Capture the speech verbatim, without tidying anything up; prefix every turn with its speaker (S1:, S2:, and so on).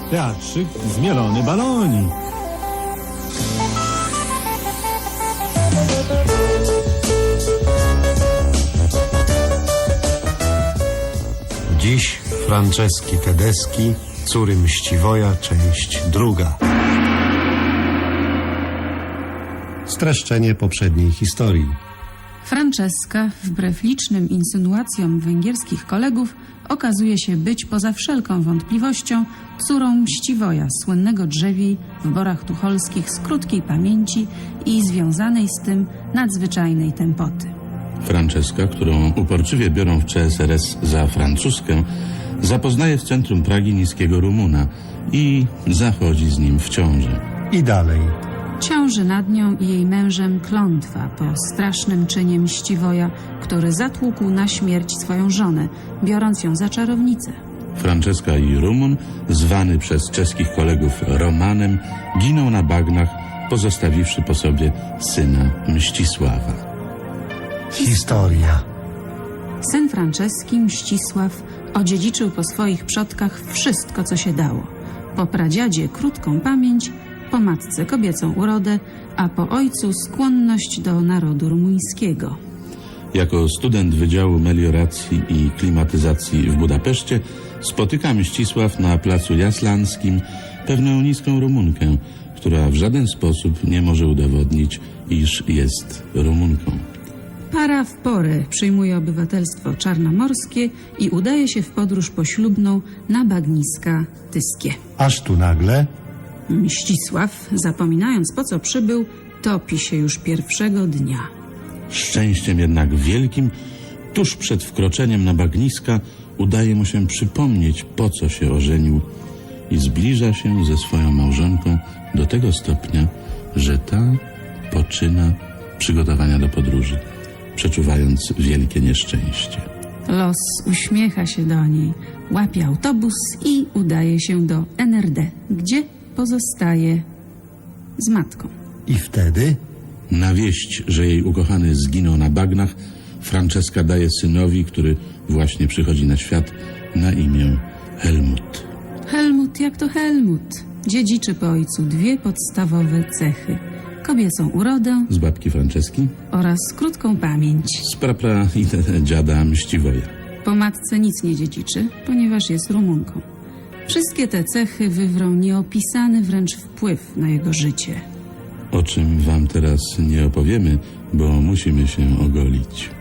S1: teatrzyk Zmielony balonik.
S2: Dziś Franceski Tedeschi, Córy Mściwoja, część druga. Streszczenie poprzedniej historii.
S3: Franceska, wbrew licznym insynuacjom węgierskich kolegów, okazuje się być poza wszelką wątpliwością córą Mściwoja, słynnego drzewiej w Borach Tucholskich z krótkiej pamięci i związanej z tym nadzwyczajnej tempoty.
S4: Franceska, którą uporczywie biorą w C S R S za francuskę, zapoznaje w centrum Pragi niskiego Rumuna i zachodzi z nim w ciążę.
S2: I dalej.
S3: Ciąży nad nią i jej mężem klątwa po strasznym czynie Mściwoja, który zatłukł na śmierć swoją żonę, biorąc ją za czarownicę.
S4: Franceska i Rumun, zwany przez czeskich kolegów Romanem, giną na bagnach, pozostawiwszy po sobie syna Mścisława.
S2: Historia.
S3: Syn Franceski, Mścisław, odziedziczył po swoich przodkach wszystko, co się dało. Po pradziadzie krótką pamięć, po matce kobiecą urodę, a po ojcu skłonność do narodu rumuńskiego.
S4: Jako student Wydziału Melioracji i Klimatyzacji w Budapeszcie spotyka Mścisław na placu Jaslanskim pewną niską Rumunkę, która w żaden sposób nie może udowodnić, iż jest Rumunką.
S3: Para w porę przyjmuje obywatelstwo czarnomorskie i udaje się w podróż poślubną na bagniska tyskie.
S2: Aż tu nagle
S3: Mścisław, zapominając po co przybył, topi się już pierwszego dnia.
S4: Szczęściem jednak wielkim, tuż przed wkroczeniem na bagniska udaje mu się przypomnieć, po co się ożenił, i zbliża się ze swoją małżonką do tego stopnia, że ta poczyna przygotowania do podróży, przeczuwając wielkie nieszczęście.
S3: Los uśmiecha się do niej, łapie autobus i udaje się do N R D, gdzie pozostaje z matką.
S2: i wtedy
S4: Na wieść, że jej ukochany zginął na bagnach, Franceska daje synowi, który właśnie przychodzi na świat, na imię Helmut.
S3: Helmut jak to Helmut. Dziedziczy po ojcu dwie podstawowe cechy. Kobiecą urodę
S4: Z babki Franceski,
S3: oraz krótką pamięć.
S4: z prapra i dziada Mściwoja.
S3: Po matce nic nie dziedziczy, ponieważ jest Rumunką. Wszystkie te cechy wywrą nieopisany wręcz wpływ na jego życie.
S4: O czym wam teraz nie opowiemy, bo musimy się ogolić.